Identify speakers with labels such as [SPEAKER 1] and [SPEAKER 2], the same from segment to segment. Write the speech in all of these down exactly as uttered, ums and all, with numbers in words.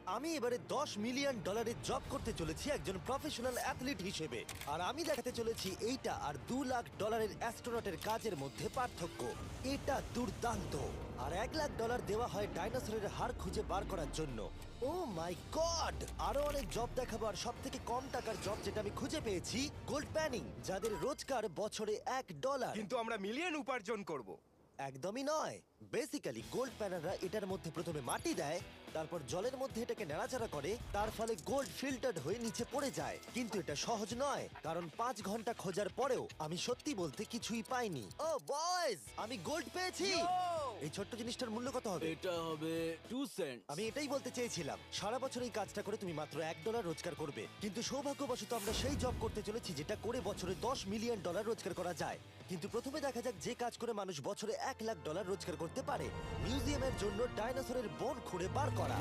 [SPEAKER 1] আমি এবারে দশ মিলিয়ন ডলারের জব করতে চলেছি একজন প্রফেশনাল অ্যাথলিট হিসেবে। আর আমি দেখাতে চলেছি এইটা আর দু লাখ ডলারের অ্যাস্ট্রোনটের কাজের মধ্যে পার্থক্য। এটা দুর্দান্ত। আর এক লাখ ডলার দেওয়া হয় ডাইনোসরের হাড় খুঁজে বার করার জন্য। Oh my god! আরো অনেক জব দেখাবো, আর সব থেকে কম টাকার জব যেটা আমি খুঁজে পেয়েছি, গোল্ড প্যানিং, যাদের রোজগার বছরে এক ডলার।
[SPEAKER 2] কিন্তু আমরা মিলিয়ন উপার্জন করব।
[SPEAKER 1] একদমই নয়। বেসিক্যালি গোল্ড প্যানাররা এটার মধ্যে প্রথমে মাটি দেয়, তারপর জলের মধ্যে এটাকে নাড়াচাড়া করে, তার ফলে গোল্ড ফিল্টার্ড হয়ে নিচে পড়ে যায়। কিন্তু এটা সহজ নয়, কারণ পাঁচ ঘন্টা খোঁজার পরেও আমি সত্যি বলতে কিছুই পাইনি। ও বয়েজ, আমি গোল্ড পেয়েছি। এই ছোট্ট জিনিসটার মূল্য কত হবে?
[SPEAKER 3] এটা হবে টু সেন্ট।
[SPEAKER 1] আমি এটাই বলতে চেয়েছিলাম, সারা বছর এই কাজটা করে তুমি মাত্র এক ডলার রোজগার করবে, কিন্তু সৌভাগ্যবশত আমরা সেই জব করতে চলেছি যেটা করে বছরে দশ মিলিয়ন ডলার রোজগার করা যায়। কিন্তু প্রথমে দেখা যাক যে কাজ করে মানুষ বছরে এক লাখ ডলার রোজগার করতে পারে। মিউজিয়ামের জন্য ডাইনোসরের বোন খুঁড়ে বার করা।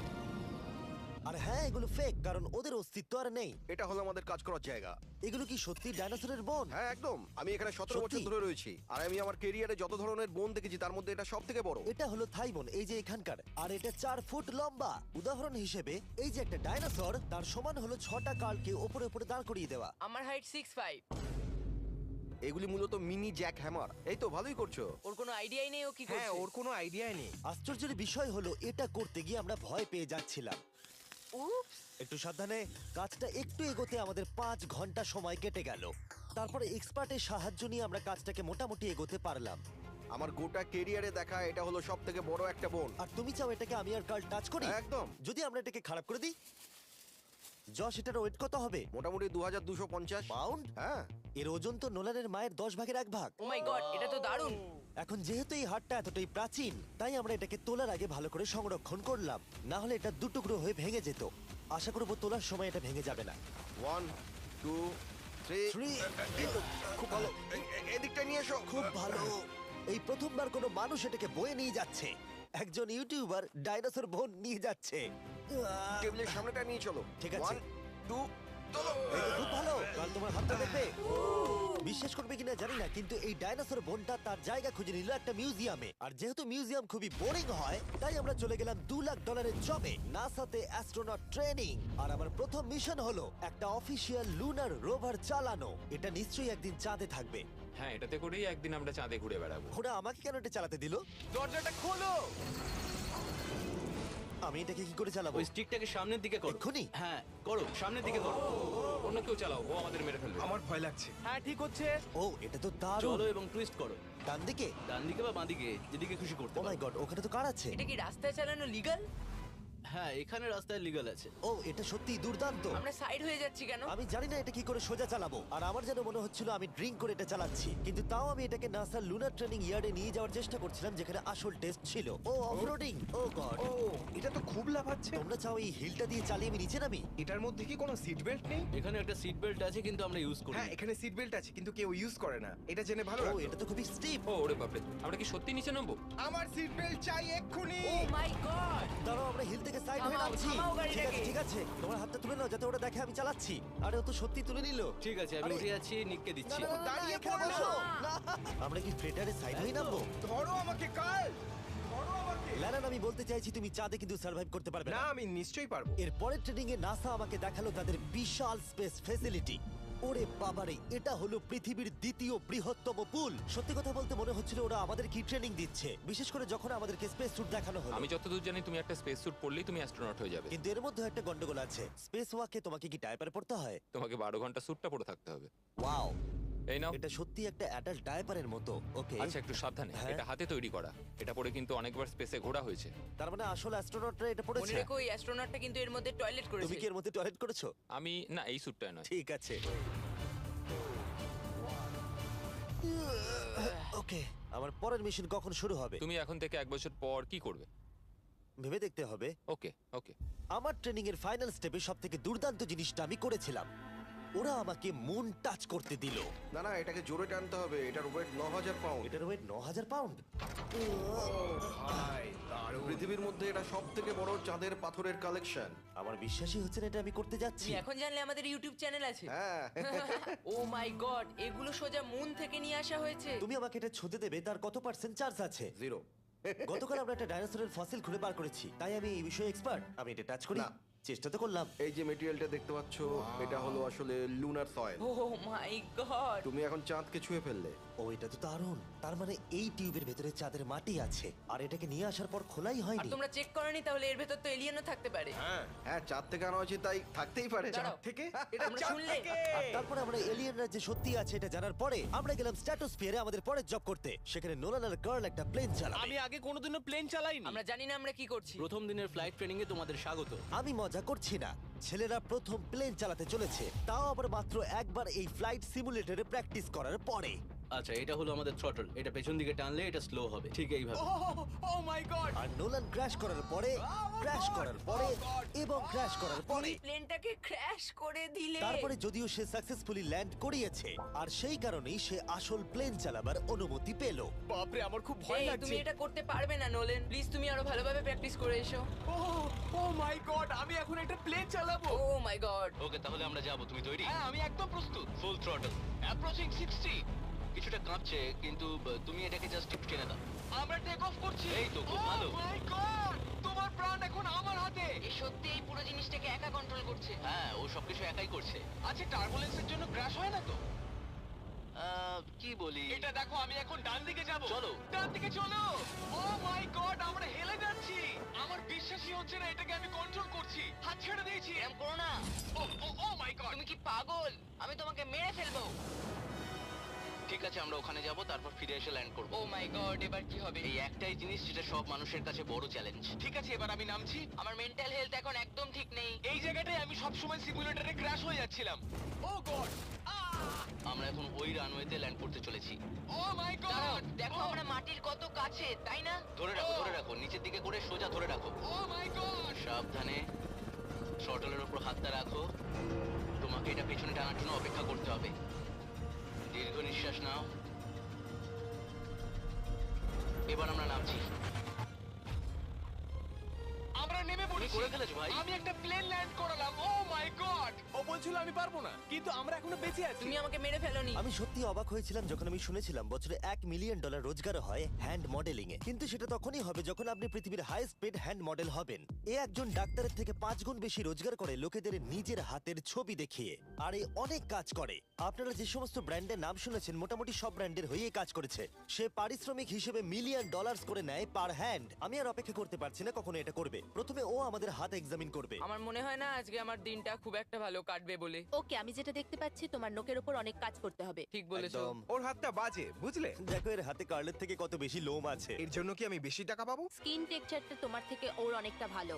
[SPEAKER 1] আর হ্যাঁ, এগুলো ফেক, কারণ ওদের অস্তিত্ব আর নেই।
[SPEAKER 4] এটা হলো আমাদের কাজ করার জায়গা।
[SPEAKER 1] এগুলো কি সত্যি ডাইনোসরের বোন?
[SPEAKER 4] হ্যাঁ একদম, আমি এখানে সতেরো
[SPEAKER 1] সত্যি?
[SPEAKER 4] বছর ধরে রয়েছি, আর আমি আমার কেরিয়ারে যত ধরনের বোন দেখেছি তার মধ্যে এটা সব থেকে বড়।
[SPEAKER 1] এটা হলো থাই বোন, এই যে এখানকার, আর এটা চার ফুট লম্বা। উদাহরণ হিসেবে এই যে একটা ডাইনোসর, তার সমান হলো ছটা কালকে ওপরে ওপরে দাঁড় করিয়ে দেওয়া।
[SPEAKER 5] আমার হাইট সিক্স ফাইভ।
[SPEAKER 4] এগুলি মূলত মিনি জ্যাক হ্যামার। এই তো ভালোই করছো।
[SPEAKER 5] ওর কোনো আইডিয়াই নেই ও কি
[SPEAKER 2] হ্যাঁ,
[SPEAKER 5] করছে।
[SPEAKER 2] ওর কোনো আইডিয়াই নেই।
[SPEAKER 1] আশ্চর্যের বিষয় হলো এটা করতে গিয়ে আমরা ভয় পেয়ে যাচ্ছিলাম।
[SPEAKER 5] উপস।
[SPEAKER 1] একটু সাবধানে। কাজটা একটু এগোতে আমাদের পাঁচ ঘন্টা সময় কেটে গেল। তারপরে এক্সপার্টের সাহায্য নিয়ে আমরা কাজটাকে মোটামুটি এগোতে পারলাম।
[SPEAKER 4] আমার গোটা কেরিয়ারে দেখা এটা হলো সব থেকে বড় একটা বোন।
[SPEAKER 1] আর তুমি চাও এটাকে আমি আর কাল টাচ করি?
[SPEAKER 4] একদম।
[SPEAKER 1] যদি আমরা এটাকে খারাপ করে দিই? যশ, এটার ওয়েট কত হবে?
[SPEAKER 4] মোটামুটি দু হাজার দুশো পঞ্চাশ
[SPEAKER 1] পাউন্ড?
[SPEAKER 4] হ্যাঁ।
[SPEAKER 1] এর ওজন তো নোলানের মায়ের দশ ভাগের এক ভাগ।
[SPEAKER 5] ও মাই গড, এটা তো দারুণ।
[SPEAKER 1] এখন যেহেতু এই হাটটা এতটাই প্রাচীন, তাই আমরা এটাকে তোলার আগে ভালো করে সংরক্ষণ করলাম, না হলে এটা দুটুকরো হয়ে ভেঙে যেত। আশা করবো তোলার সময় এটা ভেঙে যাবে না।
[SPEAKER 4] One two three
[SPEAKER 1] Three.
[SPEAKER 4] খুব ভালো। এ- এ- এদিকটা নিয়ে এসো।
[SPEAKER 1] খুব ভালো। এই প্রথমবার কোনো মানুষ এটাকে বয়ে নিয়ে যাচ্ছে। একজন ইউটিউবার ডাইনোসর বোন নিয়ে যাচ্ছে। আহ,
[SPEAKER 4] টেবিলের সামনেটা নিয়ে চলো।
[SPEAKER 1] ঠিক আছে।
[SPEAKER 4] ওয়ান টু চলো।
[SPEAKER 1] এই তো খুব ভালো। কাল তোমার হাতটা দেখবে। বিশ্বাস করবে কিনা জানি না, কিন্তু এই ডাইনোসর বোনটা তার জায়গা খুঁজে নিল একটা মিউজিয়ামে। আর যেহেতু মিউজিয়াম খুবই বোরিং হয়, তাই আমরা চলে গেলাম দু লাখ ডলারের জবে, নাসাতে অ্যাস্ট্রোনট ট্রেনিং। আর আমার প্রথম মিশন হলো একটা অফিসিয়াল লুনার রোভার চালানো। এটা নিশ্চয়ই একদিন চাঁদে থাকবে।
[SPEAKER 6] হ্যাঁ, এটাতে করেই একদিন আমরা চাঁদে ঘুরে বেড়াবো।
[SPEAKER 1] ওরা আমাকে কেন এটা চালাতে দিল?
[SPEAKER 2] দরজাটা খোলো।
[SPEAKER 1] আমি এটাকে কি করে চালাবো?
[SPEAKER 3] ওই স্টিকটাকে সামনের দিকে করো।
[SPEAKER 1] এক্ষুনি?
[SPEAKER 3] হ্যাঁ করো, সামনের দিকে করো।
[SPEAKER 6] অন্য কেউ চালাও, ও আমাদের মেরে ফেলবে।
[SPEAKER 2] আমার ভয় লাগছে। হ্যাঁ, ঠিক হচ্ছে।
[SPEAKER 1] ও, এটা তো দারুণ।
[SPEAKER 3] চলো এবং টুইস্ট করো,
[SPEAKER 1] ডান দিকে?
[SPEAKER 3] ডান দিকে বা বাঁ দিকে, যেদিকে খুশি করতে
[SPEAKER 1] ও মাই
[SPEAKER 3] পারো।
[SPEAKER 1] গড, ওখানে তো কার আছে?
[SPEAKER 5] এটা কি রাস্তায় চালানো লিগাল?
[SPEAKER 3] হ্যাঁ, এখানে রাস্তায় লিগ্যাল আছে।
[SPEAKER 1] ও, এটা সত্যি দুর্দান্ত।
[SPEAKER 5] আমরা সাইড হয়ে যাচ্ছি কেন?
[SPEAKER 1] আমি জানি না এটা কি করে সোজা চালাবো, আর আমার যেন মনে হচ্ছিল আমি ড্রিঙ্ক করে এটা চালাচ্ছি। কিন্তু তাও আমি এটাকে নাসার লুনার ট্রেনিং ইয়ার্ডে নিয়ে যাওয়ার চেষ্টা করছিলাম, যেখানে আসল টেস্ট ছিল। ও অফরোডিং। ও গড।
[SPEAKER 2] ও, এটা তো খুব লাফাচ্ছে।
[SPEAKER 1] তোমরা চাও এই হিলটা দিয়ে চালিয়ে আমি নিচে নামি?
[SPEAKER 2] এটার মধ্যে কি কোনো সিট বেল্ট নেই?
[SPEAKER 3] এখানে একটা সিট বেল্ট আছে, কিন্তু আমরা ইউজ করি
[SPEAKER 2] হ্যাঁ,
[SPEAKER 3] না।
[SPEAKER 2] এখানে সিট বেল্ট আছে কিন্তু কেউ ইউজ করে না। এটা জেনে ভালো
[SPEAKER 1] ও,
[SPEAKER 2] লাগলো।
[SPEAKER 1] এটা তো খুবই স্টিপ।
[SPEAKER 6] ও ওরে বাপরে, আমরা কি সত্যি নিচে নামবো?
[SPEAKER 2] আমার সিট বেল্ট চাই এক্ষুনি।
[SPEAKER 5] Oh my god.
[SPEAKER 1] দাঁড়াও, আমরা হিল থেকে সাইড হয়ে
[SPEAKER 5] থামাও,
[SPEAKER 1] নামছি।
[SPEAKER 5] থামাও গাড়িটাকে।
[SPEAKER 1] ঠিক আছে, ঠিক আছে, তোমার হাতটা তুলে নাও যাতে ওরা দেখে আমি চালাচ্ছি। আরে ও তো সত্যি তুলে নিল।
[SPEAKER 3] ঠিক আছে, আমি
[SPEAKER 1] আরে,
[SPEAKER 3] উঠে যাচ্ছি, নিককে
[SPEAKER 1] না,
[SPEAKER 3] দিচ্ছি।
[SPEAKER 1] না, না, না,
[SPEAKER 2] দাঁড়িয়ে
[SPEAKER 1] এখানে
[SPEAKER 2] পড়ো।
[SPEAKER 1] বসো। না। আমরা কি ফ্রেটারে সাইড হয়ে নামবো?
[SPEAKER 2] ধরো আমাকে কাল। ধরো আমাকে।
[SPEAKER 1] ল্যানান, আমি বলতে চাইছি তুমি চাঁদে কিন্তু সার্ভাইভ করতে পারবে
[SPEAKER 2] না,
[SPEAKER 1] না।
[SPEAKER 2] আমি নিশ্চয়ই পারবো।
[SPEAKER 1] এর পরের ট্রেনিং এ নাসা আমাকে দেখালো তাদের বিশাল স্পেস ফেসিলিটি। ওরে বাবারে, এটা হলো পৃথিবীর দ্বিতীয় বৃহত্তম পুল। সত্যি কথা বলতে মনে হচ্ছিল ওরা আমাদের কি ট্রেনিং দিচ্ছে, বিশেষ করে যখন আমাদেরকে স্পেস স্যুট দেখানো হলো।
[SPEAKER 6] আমি যতদূর জানি তুমি একটা স্পেস স্যুট পরলেই তুমি অ্যাস্ট্রোনট হয়ে যাবে।
[SPEAKER 1] কিন্তু এর মধ্যে একটা গন্ডগোল আছে। স্পেস ওয়াকে তোমাকে কি ডায়পার পড়তে হয়?
[SPEAKER 6] তোমাকে বারো ঘন্টা স্যুটটা পরে থাকতে হবে।
[SPEAKER 1] ওয়াও,
[SPEAKER 6] এই নাও।
[SPEAKER 1] এটা সত্যি একটা অ্যাডাল্ট ডায়পারের মতো। ওকে,
[SPEAKER 6] আচ্ছা, একটু সাবধানে।
[SPEAKER 1] হ্যাঁ।
[SPEAKER 6] এটা হাতে তৈরি করা। এটা পরে কিন্তু অনেকবার স্পেসে ঘোরা হয়েছে।
[SPEAKER 1] তার মানে আসল অ্যাস্ট্রোনটরা এটা
[SPEAKER 5] মনে
[SPEAKER 1] পড়েছে।
[SPEAKER 5] রেখো এই অ্যাস্ট্রোনটটা কিন্তু এর মধ্যে টয়লেট
[SPEAKER 1] তুমি
[SPEAKER 5] করেছে।
[SPEAKER 1] কি এর মধ্যে টয়লেট করেছো?
[SPEAKER 6] আমি না, এই স্যুটটা নয়।
[SPEAKER 1] ঠিক আছে। ওকে, আমার পরের মিশন কখন শুরু হবে
[SPEAKER 6] তুমি এখন থেকে এক বছর পর কি করবে?
[SPEAKER 1] ভেবে দেখতে হবে।
[SPEAKER 6] ওকে ওকে।
[SPEAKER 1] আমার ট্রেনিং এর ফাইনাল স্টেপে সব থেকে দুর্দান্ত জিনিসটা আমি করেছিলাম। ওরা আমাকে মুন টাচ করতে দিল।
[SPEAKER 4] না না, এটাকে জোরে টানতে হবে। এটার ওয়েট ন হাজার পাউন্ড।
[SPEAKER 1] এটার ওয়েট ন হাজার পাউন্ড।
[SPEAKER 2] ভাই, দারুণ।
[SPEAKER 4] পৃথিবীর মধ্যে এটা সব থেকে বড় চাঁদের পাথরের কালেকশন।
[SPEAKER 1] আমার বিশ্বাসই হচ্ছে না এটা আমি করতে যাচ্ছি।
[SPEAKER 5] তুমি এখন জানলে আমাদের ইউটিউব চ্যানেল আছে।
[SPEAKER 4] হ্যাঁ।
[SPEAKER 5] ও মাই গড, এগুলো সোজা মুন থেকে নিয়ে আসা হয়েছে।
[SPEAKER 1] তুমি আমাকে এটা ছুঁতে দেবে, তার কত পার্সেন্ট চার্জ আছে?
[SPEAKER 4] জিরো।
[SPEAKER 1] গতকাল আমরা একটা ডাইনোসরের ফসিল খুঁজে বার করেছি তাই আমি এই বিষয়ে এক্সপার্ট। আমি এটা টাচ করি
[SPEAKER 4] না।
[SPEAKER 1] চেষ্টা তো করলাম।
[SPEAKER 4] এই যে মেটেরিয়ালটা দেখতে পাচ্ছ এটা হলো আসলে lunar soil.
[SPEAKER 5] Oh my god
[SPEAKER 4] তুমি এখন চাঁদকে ছুঁয়ে ফেললে।
[SPEAKER 1] ও এটা তো দারুণ। তার মানে এই টিউবের ভেতরে চাঁদের মাটি আছে আর এটাকে নিয়ে আসার পর খোলাই
[SPEAKER 5] আর
[SPEAKER 1] হয়নি।
[SPEAKER 5] তোমরা চেক করনি তাহলে এর ভেতর তো এলিয়েনও থাকতে পারে।
[SPEAKER 2] হ্যাঁ
[SPEAKER 4] হ্যাঁ চাঁদ থেকে আনা হয়েছে তাই থাকতেই পারে।
[SPEAKER 5] দাঁড়াও।
[SPEAKER 2] থেকে এটা
[SPEAKER 5] তোমরা
[SPEAKER 2] চাঁদ
[SPEAKER 5] শুনলে?
[SPEAKER 2] থেকে।
[SPEAKER 1] আর তারপরে আমরা এলিয়েনরা যে সত্যি আছে এটা জানার পরে আমরা গেলাম স্ট্র্যাটোস্ফিয়ারে আমাদের পরের জব করতে। সেখানে নোলান আর গার্ল একটা প্লেন চালাবে।
[SPEAKER 3] আমি আগে কোনোদিনও প্লেন চালাইনি।
[SPEAKER 5] আমরা জানি না আমরা কি করছি।
[SPEAKER 3] প্রথম দিনের ফ্লাইট ট্রেনিং এ তোমাদের স্বাগত।
[SPEAKER 1] আমি মজা করছি না, ছেলেরা প্রথম প্লেন চালাতে চলেছে, তাও আবার মাত্র একবার এই ফ্লাইট সিমুলেটরে প্র্যাকটিস করার পরে।
[SPEAKER 3] আচ্ছা, এটা হলো আমাদের থ্রটল। এটা পেছন দিকে টানলে এটা স্লো হবে, ঠিক এইভাবে।
[SPEAKER 2] ও মাই গড
[SPEAKER 1] আর নোলান ক্র্যাশ করার পরে, ক্র্যাশ করার পরে এবং ক্র্যাশ করার পরে
[SPEAKER 5] তুমি প্লেনটাকে ক্র্যাশ করে দিলে।
[SPEAKER 1] তারপরে যদিও সে সাকসেসফুলি ল্যান্ড করিয়েছে আর সেই কারণেই সে আসল প্লেন চালাবার অনুমতি পেল।
[SPEAKER 2] বাপরে আমার খুব ভয়
[SPEAKER 5] এই,
[SPEAKER 2] লাগছে।
[SPEAKER 5] তুমি এটা করতে পারবে না নোলেন। প্লিজ তুমি আরো ভালোভাবে প্র্যাকটিস করে এসো।
[SPEAKER 2] ও ও মাই গড আমি এখন একটা প্লেন চালাবো।
[SPEAKER 5] ও মাই গড।
[SPEAKER 3] ওকে, তাহলে আমরা যাব। তুমি তৈরি?
[SPEAKER 2] হ্যাঁ আমি একদম প্রস্তুত।
[SPEAKER 3] Full throttle, approaching sixty. কিছুটা কাঁপছে কিন্তু আহ, তুমি এটাকে জাস্ট একটু টেনে দাও।
[SPEAKER 2] আমরা টেক অফ করছি।
[SPEAKER 3] এই তো, খুব ভালো।
[SPEAKER 2] ও মাই গড তোমার প্রাণ এখন আমার হাতে।
[SPEAKER 5] এ সত্যি এই পুরো জিনিসটাকে একা কন্ট্রোল করছে।
[SPEAKER 3] হ্যাঁ, ও সবকিছু একাই করছে।
[SPEAKER 2] আচ্ছা টার্বুলেন্সের জন্য ক্র্যাশ হয় না তো?
[SPEAKER 3] আহ, কি বলি?
[SPEAKER 2] এটা দেখো আমি এখন ডান দিকে যাব।
[SPEAKER 3] চলো।
[SPEAKER 2] ডান দিকে চলো। ও মাই গড আমরা হেলে যাচ্ছি। আমার বিশ্বাসই হচ্ছে না এটাকে আমি কন্ট্রোল করছি। হাত ছেড়ে দিয়েছি।
[SPEAKER 5] এরম করো না।
[SPEAKER 2] ও ও ও মাই গড
[SPEAKER 5] তুমি কি পাগল? আমি তোমাকে মেরে ফেলবো।
[SPEAKER 3] ঠিক আছে, আমরা ওখানে যাব, তারপর ফিরে এসে ল্যান্ড করব।
[SPEAKER 5] ও মাই গড, এবার কি হবে?
[SPEAKER 3] এই একটাই জিনিস যেটা সব মানুষের কাছে বড় চ্যালেঞ্জ।
[SPEAKER 2] ঠিক আছে এবার আমি নামছি।
[SPEAKER 5] আমার মেন্টাল হেলথ এখন একদম ঠিক নেই।
[SPEAKER 2] এই জায়গাটায় আমি সব সময় সিমুলেটরে ক্র্যাশ হয়ে যাচ্ছিলাম। ও গড
[SPEAKER 3] আমরা এখন ওই রানওয়েতে ল্যান্ড করতে চলেছি।
[SPEAKER 2] ও মাই
[SPEAKER 5] দাঁড়াও,
[SPEAKER 2] গড
[SPEAKER 5] দেখো আমরা মাটির কত কাছে, তাই না?
[SPEAKER 3] ধরে রাখো, ধরে রাখো, নিচের দিকে করে সোজা ধরে রাখো।
[SPEAKER 2] ও মাই গড
[SPEAKER 3] সাবধানে শটলের উপর হাতটা রাখো। তোমাকে এটা পেছনে টানার জন্য অপেক্ষা করতে হবে। দীর্ঘ নিঃশ্বাস নাও। এবার আমরা নামছি।
[SPEAKER 2] আমরা নেমে
[SPEAKER 3] তুমি
[SPEAKER 2] পড়েছি।
[SPEAKER 3] করে ফেলেছো ভাই।
[SPEAKER 2] আমি একটা প্লেন ল্যান্ড করালাম। ও মাই গড ও বলছিল আমি পারবো না কিন্তু আমরা এখনো বেঁচে আছি।
[SPEAKER 5] তুমি আমাকে মেরে ফেলোনি।
[SPEAKER 1] আমি সত্যি অবাক হয়েছিলাম যখন আমি শুনেছিলাম বছরে এক মিলিয়ন ডলার রোজগার হয় হ্যান্ড মডেলিং এ, কিন্তু সেটা তখনই হবে যখন আপনি পৃথিবীর হাইস্ট পেড হ্যান্ড মডেল হবেন। এ একজন ডাক্তারের থেকে পাঁচ গুণ বেশি রোজগার করে লোকেদের নিজের হাতের ছবি দেখিয়ে, আর এ অনেক কাজ করে। আপনারা যে সমস্ত ব্র্যান্ডের নাম শুনেছেন মোটামুটি সব ব্র্যান্ডের হয়েই কাজ করেছে। সে পারিশ্রমিক হিসেবে মিলিয়ন ডলার্স করে নেয় পার হ্যান্ড। আমি আর অপেক্ষা করতে পারছি না কখনো এটা করবে। প্রথমে ও আমাদের হাত এক্সামিন করবে।
[SPEAKER 5] আমার মনে হয় না আজকে আমার দিনটা খুব একটা ভালো কাটবে বলে।
[SPEAKER 7] ওকে, আমি যেটা দেখতে পাচ্ছি তোমার নোকের ওপর অনেক কাজ করতে হবে।
[SPEAKER 5] ঠিক বলেছো।
[SPEAKER 1] একদম।
[SPEAKER 2] ওর হাতটা বাজে বুঝলে।
[SPEAKER 1] দেখো এর হাতে কার্লের থেকে কত বেশি লোম আছে।
[SPEAKER 2] এর জন্য কি আমি বেশি টাকা পাবো?
[SPEAKER 7] স্কিন টেক্সচারটা তোমার থেকে ওর অনেকটা ভালো।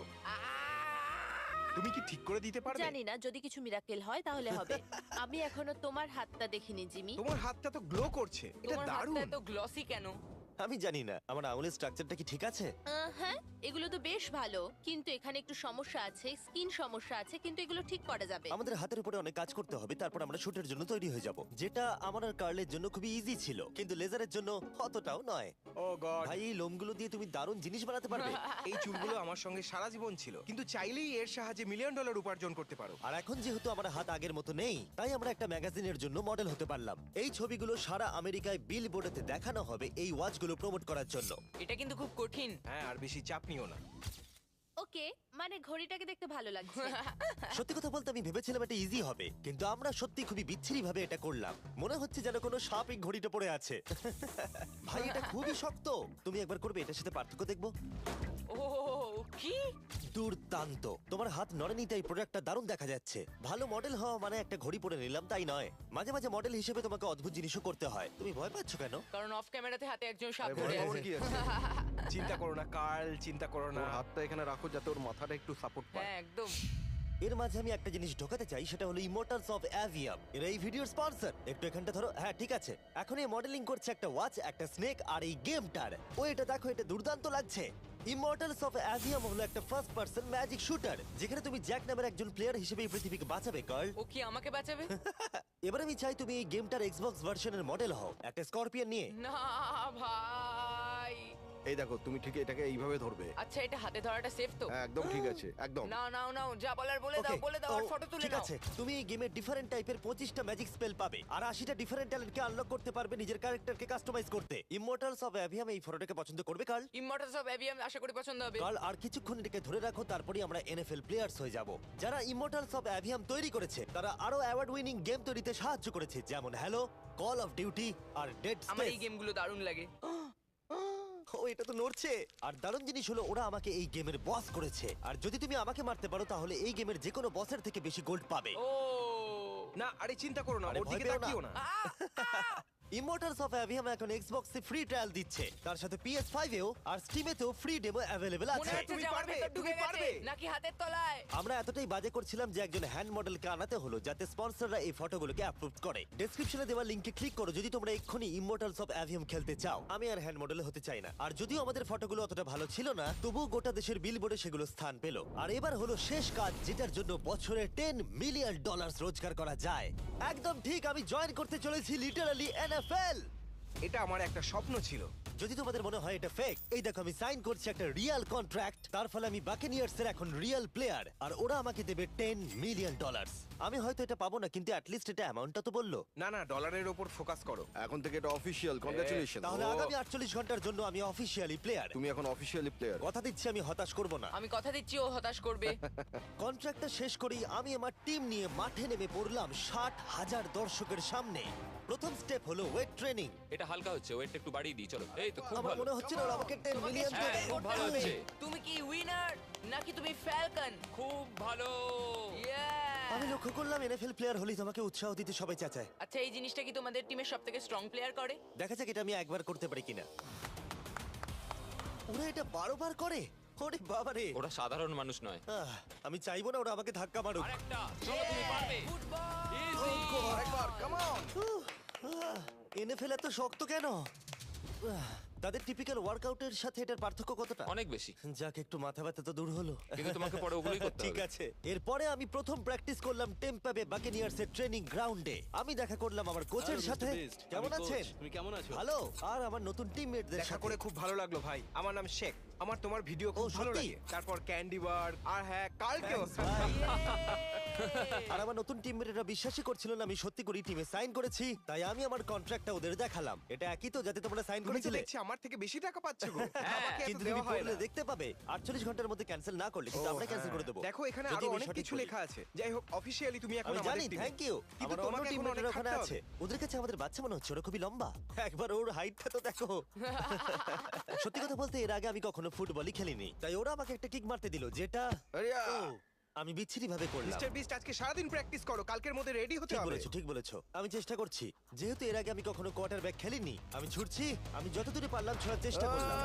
[SPEAKER 2] তুমি কি ঠিক করে দিতে পারবে?
[SPEAKER 7] জানি না, যদি কিছু মিরাকেল হয় তাহলে হবে। আমি এখনো তোমার হাতটা দেখিনি জিমি।
[SPEAKER 2] তোমার হাতটা তো গ্লো করছে। এটা
[SPEAKER 5] তোমার
[SPEAKER 2] দারুণ।
[SPEAKER 5] হাতটা এত গ্লসি কেন?
[SPEAKER 1] আমি জানি না আমার আঙুলের স্ট্রাকচারটা কি ঠিক আছে।
[SPEAKER 7] আহ, হ্যাঁ, এগুলো তো বেশ ভালো, কিন্তু এখানে একটু সমস্যা আছে, স্কিন সমস্যা আছে, কিন্তু এগুলো ঠিক করা যাবে।
[SPEAKER 1] আমাদের হাতের উপরে অনেক কাজ করতে হবে, তারপর আমরা শুটের জন্য তৈরি হয়ে যাব, যেটা আমার আর কার্লের জন্য খুবই ইজি ছিল, কিন্তু লেজারের জন্য অতটাও নয়।
[SPEAKER 2] ও গড
[SPEAKER 1] ভাই এই লোমগুলো দিয়ে তুমি দারুণ জিনিস বানাতে পারবে।
[SPEAKER 2] এই চুলগুলো আমার সঙ্গে সারা জীবন ছিল কিন্তু চাইলেই এর সাহায্যে মিলিয়ন ডলার উপার্জন করতে পারো।
[SPEAKER 1] আর এখন যেহেতু আমার হাত আগের মতো নেই, তাই আমরা একটা ম্যাগাজিনের জন্য মডেল হতে পারলাম। এই ছবিগুলো সারা আমেরিকায় বিল বোর্ডেতে দেখানো হবে এই ওয়াচগুলো প্রমোট করার জন্য।
[SPEAKER 5] এটা কিন্তু খুব কঠিন।
[SPEAKER 2] হ্যাঁ আর বেশি চাপ নিও না।
[SPEAKER 7] ওকে, মানে ঘড়িটাকে দেখতে ভালো লাগছে।
[SPEAKER 1] সত্যি কথা বলতে আমি ভেবেছিলাম এটা ইজি হবে, কিন্তু আমরা সত্যি খুবই বিচ্ছিরি ভাবে এটা করলাম। মনে হচ্ছে যেন কোনো সাপ এই ঘড়িটা পড়ে আছে। ভাই এটা খুবই শক্ত। তুমি একবার করবে, এটার সাথে পার্থক্য দেখবো।
[SPEAKER 5] ও কি
[SPEAKER 1] দুর্দান্ত। তোমার হাত নড়েনি তাই প্রোডাক্টটা দারুণ দেখা যাচ্ছে। ভালো মডেল হওয়া মানে একটা ঘড়ি পরে নিলাম তাই নয়, মাঝে মাঝে মডেল হিসেবে তোমাকে অদ্ভুত জিনিসও করতে হয়। তুমি ভয় পাচ্ছ কেন?
[SPEAKER 5] কারণ অফ ক্যামেরাতে হাতে একজন সাপ
[SPEAKER 4] আরে,
[SPEAKER 5] ধরে
[SPEAKER 4] ভয় পাওয়ার
[SPEAKER 5] আছে।
[SPEAKER 4] কি আছে?
[SPEAKER 2] চিন্তা করো না কার্ল, চিন্তা করো না।
[SPEAKER 4] ওর হাতটা এখানে রাখো যাতে ওর মাথাটা একটু সাপোর্ট পায়।
[SPEAKER 5] হ্যাঁ একদম।
[SPEAKER 1] এর মাঝে আমি একটা জিনিস ঢোকাতে চাই, সেটা হলো ইমোর্টালস অফ অ্যাভিয়াম। এরা এই ভিডিওর স্পন্সর। একটু এখানটা ধরো। হ্যাঁ ঠিক আছে। এখন এই মডেলিং করছে একটা ওয়াচ, একটা স্নেক আর এই গেমটার। ও এটা দেখো, এটা দুর্দান্ত লাগছে। ইমর্টালস অফ অ্যাভিয়াম হলো একটা ফার্স্ট পার্সন ম্যাজিক শুটার, যেখানে তুমি জ্যাক নামের একজন প্লেয়ার হিসেবে এই পৃথিবীকে বাঁচাবে গার্ল।
[SPEAKER 5] ও কি আমাকে বাঁচাবে?
[SPEAKER 1] এবার আমি চাই তুমি এই গেমটার এক্সবক্স ভার্সনের মডেল হও, একটা স্করপিয়ন নিয়ে।
[SPEAKER 5] না ভাই,
[SPEAKER 4] এই দেখো তুমি ঠিক এটাকে এইভাবে ধরবে।
[SPEAKER 5] আচ্ছা এটা হাতে ধরাটা সেফ তো?
[SPEAKER 4] হ্যাঁ, একদম ঠিক আছে, একদম।
[SPEAKER 5] নাও নাও নাও, যা বলার বলে দাও,
[SPEAKER 1] Okay,
[SPEAKER 5] বলে দাও আর
[SPEAKER 1] ও,
[SPEAKER 5] ফটো তুলে
[SPEAKER 1] ঠিক
[SPEAKER 5] নাও।
[SPEAKER 1] আছে তুমি এই গেমের ডিফারেন্ট টাইপের পঁচিশটা ম্যাজিক স্পেল পাবে আর আশিটা ডিফারেন্ট ট্যালেন্টকে আনলক করতে পারবে নিজের ক্যারেক্টারকে কাস্টমাইজ করতে। ইমমর্টালস অফ অ্যাভিয়াম এই ফটোটাকে পছন্দ করবে কার্ল?
[SPEAKER 5] ইমমর্টালস অফ অ্যাভিয়াম আশা করি পছন্দ হবে।
[SPEAKER 1] কার্ল আর কিছুক্ষণ এটাকে ধরে রাখো, তারপরেই আমরা এনএফএল প্লেয়ার্স হয়ে যাব। যারা ইমমর্টালস অফ অ্যাভিয়াম তৈরি করেছে তারা আরো অ্যাওয়ার্ড উইনিং গেম তৈরিতে সাহায্য করেছে, যেমন হ্যালো, কল অফ ডিউটি আর ডেড
[SPEAKER 5] আমার এই
[SPEAKER 1] স্পেস।
[SPEAKER 5] গেমগুলো দারুণ লাগে।
[SPEAKER 1] ও এটা তো নড়ছে। আর দারুণ জিনিস হলো ওরা আমাকে এই গেমের বস করেছে, আর যদি তুমি আমাকে মারতে পারো তাহলে এই গেমের যে কোনো বসের থেকে বেশি গোল্ড পাবে।
[SPEAKER 5] ও
[SPEAKER 8] না আরে চিন্তা করো না,
[SPEAKER 1] আরে
[SPEAKER 8] ওর
[SPEAKER 1] ভয়
[SPEAKER 8] দিকে
[SPEAKER 1] পেও না।
[SPEAKER 8] তাকিও না।
[SPEAKER 1] ইমমর্টালস অফ অ্যাভিয়াম এখন এক্সবক্সে ফ্রি ট্রায়াল দিচ্ছে, তার সাথে পি এস ফাইভ এও আর স্টিমেতেও ফ্রি ডেমো অ্যাভেলেবল
[SPEAKER 5] মনে
[SPEAKER 1] আছে।
[SPEAKER 5] হচ্ছে
[SPEAKER 8] তুমি
[SPEAKER 5] যে আমার
[SPEAKER 8] পারবে,
[SPEAKER 5] ভেতর
[SPEAKER 8] তুমি
[SPEAKER 5] ঢুকে গেছে
[SPEAKER 8] পারবে।
[SPEAKER 5] নাকি হাতের তলায়।
[SPEAKER 1] আমরা এতটাই বাজে করছিলাম যে একজন হ্যান্ড মডেলকে আনাতে হলো যাতে স্পন্সররা এই ফটোগুলোকে অ্যাপ্রুভ করে। ডেসক্রিপশনে দেওয়া লিংকে ক্লিক করো যদি তোমরা এক্ষুনি ইমমর্টালস অফ অ্যাভিয়াম খেলতে চাও। আমি আর হ্যান্ড মডেল হতে চাই না, আর যদিও আমাদের ফটোগুলো অতটা ভালো ছিল না তবুও গোটা দেশের বিলবোর্ডে সেগুলো স্থান পেল। আর এবার হলো শেষ কাজ যেটার জন্য বছরে টেন মিলিয়ন ডলার রোজগার করা যায়। একদম ঠিক, আমি জয়েন করতে চলেছি লিটারালি এনএফএল।
[SPEAKER 8] এটা আমার একটা স্বপ্ন ছিল।
[SPEAKER 1] যদি তোমাদের মনে হয় এটা ফেক, এই দেখো আমি সাইন করছি একটা রিয়েল কন্ট্রাক্ট, তার ফলে আমি বাকেনিয়ার্স এর এখন রিয়েল প্লেয়ার আর ওরা আমাকে দেবে টেন মিলিয়ন ডলার। আমি হয়তো এটা পাবো না কিন্তু অ্যাটলিস্ট এটা অ্যামাউন্টটা তো বললো।
[SPEAKER 8] না না, ডলারের ওপর ফোকাস করো।
[SPEAKER 4] এখন থেকে এটা অফিসিয়াল, কংগ্রাচুলেশন।
[SPEAKER 1] তাহলে
[SPEAKER 8] ও।
[SPEAKER 1] আগামী আটচল্লিশ ঘন্টার জন্য আমি অফিসিয়ালি প্লেয়ার।
[SPEAKER 4] তুমি এখন অফিসিয়ালি প্লেয়ার।
[SPEAKER 1] কথা দিচ্ছি আমি হতাশ করব না।
[SPEAKER 5] আমি কথা দিচ্ছি ও হতাশ করবে।
[SPEAKER 1] কন্ট্রাক্টটা শেষ করেই আমি আমার টিম নিয়ে মাঠে নেমে পড়লাম ষাট হাজার দর্শকের সামনে। প্রথম স্টেপ হলো ওয়েট ট্রেনিং।
[SPEAKER 6] এটা হালকা হচ্ছে, ওয়েটটা একটু বাড়িয়ে দিই চলো। এই তো খুব
[SPEAKER 1] আমার
[SPEAKER 6] ভালো।
[SPEAKER 1] মনে হচ্ছে না ওরা আমাকে টেন
[SPEAKER 5] তোমাকে
[SPEAKER 1] মিলিয়ন
[SPEAKER 5] স্ট্রাইক
[SPEAKER 6] খুব
[SPEAKER 5] করতে
[SPEAKER 6] ভালো
[SPEAKER 5] হবে।
[SPEAKER 6] হচ্ছে।
[SPEAKER 5] তুমি কি উইনার নাকি তুমি ফ্যালকন?
[SPEAKER 6] খুব ভালো।
[SPEAKER 1] আমি লক্ষ্য করলাম এনএফএল প্লেয়ার হলেই তোমাকে উৎসাহ দিতে সবাই চাচায়।
[SPEAKER 5] আচ্ছা এই জিনিসটা কি তোমাদের টিমের সবথেকে স্ট্রং প্লেয়ার করে?
[SPEAKER 1] দেখা যাক এটা আমি একবার করতে পারি কিনা। ওরা এটা বারো বার করে? ওরে বাবারে।
[SPEAKER 6] ওরা সাধারণ মানুষ নয়।
[SPEAKER 1] আহ, আমি চাইবো না ওরা আমাকে ধাক্কা মারুক।
[SPEAKER 6] আরেকটা, চলো তুমি পারবে।
[SPEAKER 5] ফুটবল।
[SPEAKER 6] Easy!
[SPEAKER 8] আরেকবার, come on!
[SPEAKER 1] এনএফএল এত শক্ত কেন? আহ, তাদের টিপিক্যাল ওয়ার্কআউটের সাথে এটার পার্থক্য কতটা?
[SPEAKER 6] অনেক বেশি।
[SPEAKER 1] যাক একটু মাথা ব্যথা তো দূর হলো।
[SPEAKER 6] কিন্তু তোমাকে পরে ওগুলোই করতে
[SPEAKER 1] ঠিক
[SPEAKER 6] হবে।
[SPEAKER 1] আছে। এরপরে আমি প্রথম প্র্যাকটিস করলাম টেম্পা বে বাকেনিয়ার্স এর ট্রেনিং গ্রাউন্ডে। আমি দেখা করলাম আমার কোচের সাথে। কেমন আছেন?
[SPEAKER 9] তুমি কেমন আছো?
[SPEAKER 1] ভালো। আর আমার নতুন টিমমেটদের
[SPEAKER 8] দেখা
[SPEAKER 1] সাথে।
[SPEAKER 8] করে খুব ভালো লাগলো ভাই। আমার নাম শেখ। আমার তোমার ভিডিও খুব
[SPEAKER 1] ও,
[SPEAKER 8] ভালো
[SPEAKER 1] সত্যি?
[SPEAKER 8] লাগে। তারপর ক্যান্ডি বার আর হ্যাঁ কালকেও।
[SPEAKER 1] আর আমার নতুন টিমমেটরা বিশ্বাসই করছিল না আমি সত্যি করে টিমে সাইন করেছি, তাই আমি আমার কন্ট্রাক্টটা ওদের দেখালাম। এটা একই তো যাতে তোমরা সাইন
[SPEAKER 8] তুমি তো
[SPEAKER 1] করেছিলে?
[SPEAKER 8] দেখছি আমার থেকে বেশি টাকা পাচ্ছ গো। আমাকে এত
[SPEAKER 1] কিন্তু
[SPEAKER 8] দেওয়া
[SPEAKER 1] তুমি
[SPEAKER 8] হয়
[SPEAKER 1] পড়লে
[SPEAKER 8] না।
[SPEAKER 1] দেখতে পাবে আটচল্লিশ ঘন্টার মধ্যে ক্যান্সেল না করলে কিন্তু
[SPEAKER 8] ও,
[SPEAKER 1] আমরা ক্যান্সেল
[SPEAKER 8] হ্যাঁ।
[SPEAKER 1] করে দেবো।
[SPEAKER 8] দেখো এখানে
[SPEAKER 1] যদি
[SPEAKER 8] আরো
[SPEAKER 1] আমি
[SPEAKER 8] অনেক
[SPEAKER 1] সঠিক
[SPEAKER 8] কিছু
[SPEAKER 1] বলি।
[SPEAKER 8] লেখা আছে। যাই হোক অফিশিয়ালি তুমি এখন
[SPEAKER 1] আমি
[SPEAKER 8] আমাদের
[SPEAKER 1] জানি,
[SPEAKER 8] টিমে।
[SPEAKER 1] Thank you.
[SPEAKER 8] কিন্তু
[SPEAKER 1] আমার অন্য
[SPEAKER 8] তোমাকে এখন
[SPEAKER 1] টিমমেটরা
[SPEAKER 8] অনেক
[SPEAKER 1] ওখানে
[SPEAKER 8] খাটতে
[SPEAKER 1] আছে।
[SPEAKER 8] হবে।
[SPEAKER 1] ওদের কাছে আমাদের বাচ্চা মনে হচ্ছে, ওরা খুবই লম্বা। একবার ওর হাইটটা তো দেখো। সত্যি কথা বলতে এর আগে আমি কখনো ফুটবলই খেলিনি, তাই ওরা আমাকে একটা কিক মারতে দিল যেটা
[SPEAKER 4] আরে, আ।
[SPEAKER 1] ও, আমি বিচ্ছিরি ভাবে করলাম।
[SPEAKER 8] মিস্টার বিস্ট আজকে সারাদিন প্র্যাকটিস করো, কালকের মধ্যে রেডি হতে
[SPEAKER 1] ঠিক
[SPEAKER 8] হবে।
[SPEAKER 1] বলেছো, ঠিক বলেছো। আমি চেষ্টা করছি। যেহেতু এর আগে আমি কখনো কোয়ার্টার ব্যাক খেলিনি, আমি ছুটছি। আমি যতদূর পারলাম ছোড়ার চেষ্টা করলাম।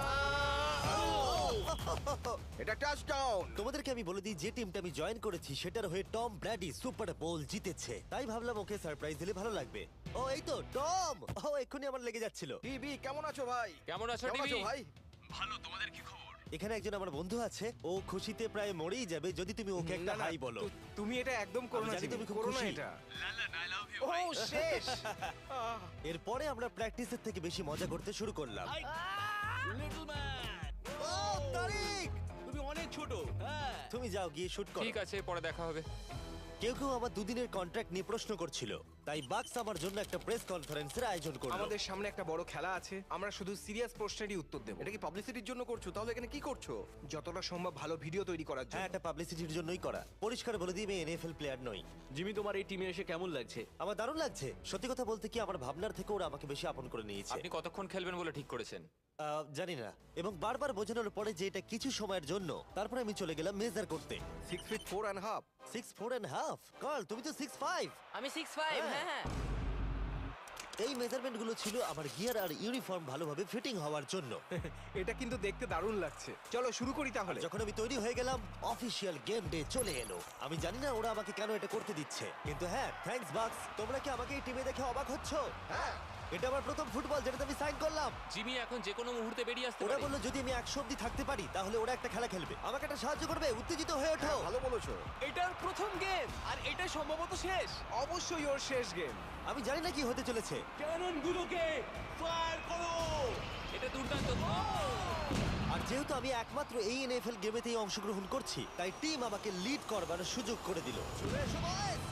[SPEAKER 4] এটা টাচডাউন।
[SPEAKER 1] তোমাদেরকে আমি বলে দিই যে টিমটা আমি জয়েন করেছি সেটার হয়ে টম ব্র্যাডি সুপার বোল জিতেছে, তাই ভাবলাম ওকে সারপ্রাইজ দিলে ভালো লাগবে। ও এই তো টম। ও এক্ষুনি আমার লেগে যাচ্ছিল।
[SPEAKER 4] টিভি কেমন আছো ভাই?
[SPEAKER 6] কেমন আছো
[SPEAKER 4] কেমন
[SPEAKER 6] টিভি?
[SPEAKER 4] আছো ভাই?
[SPEAKER 1] এখানে একজন আমার বন্ধু আছে, ও খুশিতে প্রায় মরেই যাবে যদি তুমি ওকে একটা
[SPEAKER 8] না, না,
[SPEAKER 1] হাই বলো।
[SPEAKER 8] তু- তুমি এটা একদম করো
[SPEAKER 1] আমি
[SPEAKER 8] না,
[SPEAKER 1] জানি
[SPEAKER 8] জিমি,
[SPEAKER 1] তুমি খুব
[SPEAKER 8] করো না
[SPEAKER 1] খুশি।
[SPEAKER 8] এটা। ও শেষ। আহ,
[SPEAKER 1] এরপরে আমরা প্র্যাকটিসের থেকে বেশি মজা করতে শুরু করলাম।
[SPEAKER 9] লিটল ম্যান,
[SPEAKER 1] ও তারিক,
[SPEAKER 9] তুমি অনেক ছোট। হ্যাঁ,
[SPEAKER 1] তুমি যাও গিয়ে শুট করো।
[SPEAKER 6] ঠিক আছে, পরে দেখা হবে।
[SPEAKER 1] কেউ কেউ আমার দুদিনের কন্ট্রাক্ট নিয়ে প্রশ্ন করছিল, তাই বাক্স আমার জন্য একটা প্রেস কনফারেন্সের আয়োজন করলো।
[SPEAKER 8] আমাদের সামনে একটা বড় খেলা আছে, আমরা শুধু সিরিয়াস প্রশ্নেরই উত্তর দেব।
[SPEAKER 4] এটা কি পাবলিসিটির জন্য করছো? তাহলে এখানে কি করছো?
[SPEAKER 8] যতটা সম্ভব ভালো ভিডিও তৈরি করার
[SPEAKER 1] হ্যাঁ,
[SPEAKER 8] জন্য।
[SPEAKER 1] এটা পাবলিসিটির জন্যই করা। পরিষ্কার বলে দিই আমি এনএফএল প্লেয়ার নই।
[SPEAKER 9] জিমি তোমার এই টিমে এসে কেমন লাগছে?
[SPEAKER 1] আমার দারুণ লাগছে। সত্যি কথা বলতে কি আমার ভাবনার থেকে ওরা আমাকে বেশি আপন করে নিয়েছে।
[SPEAKER 6] আপনি কতক্ষণ খেলবেন বলে ঠিক করেছেন?
[SPEAKER 1] আহ, জানি না, এবং বারবার বোঝানোর পরে যে এটা কিছু সময়ের জন্য, তারপরে আমি চলে গেলাম মেজার করতে।
[SPEAKER 4] Six feet four and half.
[SPEAKER 1] Six four and half. Carl তুমি তো সিক্স ফাইভ।
[SPEAKER 5] আমি সিক্স ফাইভ।
[SPEAKER 1] হ্যাঁ।
[SPEAKER 5] হ্যাঁ হ্যাঁ।
[SPEAKER 1] এই মেজারমেন্ট গুলো ছিল আমার গিয়ার আর ইউনিফর্ম ভালোভাবে ফিটিং হওয়ার জন্য।
[SPEAKER 8] এটা কিন্তু দেখতে দারুণ লাগছে। চলো শুরু করি তাহলে।
[SPEAKER 1] যখন আমি তৈরি হয়ে গেলাম, অফিসিয়াল গেম ডে চলে এলো। আমি জানি না ওরা আমাকে কেন এটা করতে দিচ্ছে, কিন্তু হ্যাঁ, থ্যাঙ্কস বাক্স। তোমরা কি আমাকে এই টিমে দেখে অবাক হচ্ছ?
[SPEAKER 4] হ্যাঁ।
[SPEAKER 1] এটা আমার প্রথম ফুটবল যেটাতে আমি সাইন করলাম।
[SPEAKER 6] জিমি এখন যে কোনো মুহূর্তে বেরিয়ে আসতে
[SPEAKER 1] ওরা
[SPEAKER 6] পারে।
[SPEAKER 1] বললো যদি আমি একশো অব্দি থাকতে পারি তাহলে ওরা একটা খেলা খেলবে, আমাকে একটা সাহায্য করবে। উত্তেজিত হয়ে ওঠো।
[SPEAKER 4] হ্যাঁ, ভালো বলেছো।
[SPEAKER 9] এটার প্রথম গেম আর এটা সম্ভবত শেষ।
[SPEAKER 8] অবশ্যই ওর শেষ গেম।
[SPEAKER 1] আমি জানি না কি হতে চলেছে।
[SPEAKER 9] ক্যাননগুলোকে ফায়ার করো।
[SPEAKER 6] এটা দুর্দান্ত।
[SPEAKER 1] আর যেহেতু আমি একমাত্র এই এনএফএল গেমেতেই অংশগ্রহণ করছি, তাই টিম আমাকে লিড করবার সুযোগ করে দিল। চলে এসো boys!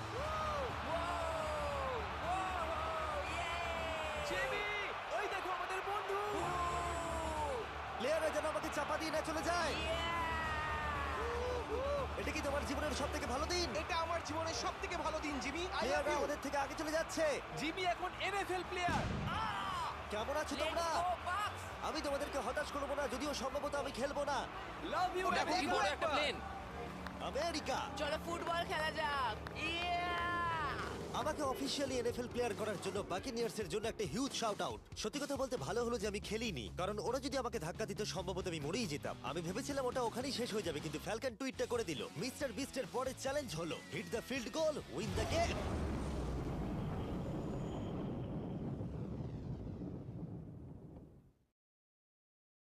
[SPEAKER 9] জিমি, ওই দেখো আমাদের বন্ধু।
[SPEAKER 1] প্লেয়াররা যেন আমাকে চাপা দিয়ে না চলে যায়। এটা কি তোমার জীবনের সব থেকে ভালো দিন?
[SPEAKER 8] এটা আমার জীবনের সব থেকে ভালো দিন, জিমি। আই লাভ
[SPEAKER 1] প্লেয়াররা
[SPEAKER 8] ইউ।
[SPEAKER 1] আমাদের থেকে আগে চলে যাচ্ছে।
[SPEAKER 9] জিমি এখন এনএফএল প্লেয়ার।
[SPEAKER 1] কেমন আছো তোমরা? আমি তোমাদেরকে হতাশ করবো না, যদিও সম্ভবত আমি খেলবো না।
[SPEAKER 9] Love you.
[SPEAKER 6] দেখো কি বড় একটা প্লেন।
[SPEAKER 1] আমেরিকা
[SPEAKER 5] চলো ফুটবল খেলা যাক।
[SPEAKER 1] আমাকে অফিসিয়ালি এনএফএল প্লেয়ার করার জন্য বাকিনিয়ার্স এর জন্য একটা হিউজ শাউট আউট। সত্যি কথা বলতে ভালো হলো যে আমি খেলিনি, কারণ ওরা যদি আমাকে ধাক্কা দিত সম্ভবত আমি মরেই যেতাম। আমি ভেবেছিলাম ওটা ওখানেই শেষ হয়ে যাবে, কিন্তু ফ্যালকন টুইটটা করে দিল, মিস্টার বিস্টের পরের চ্যালেঞ্জ হলো hit the field goal, win the game.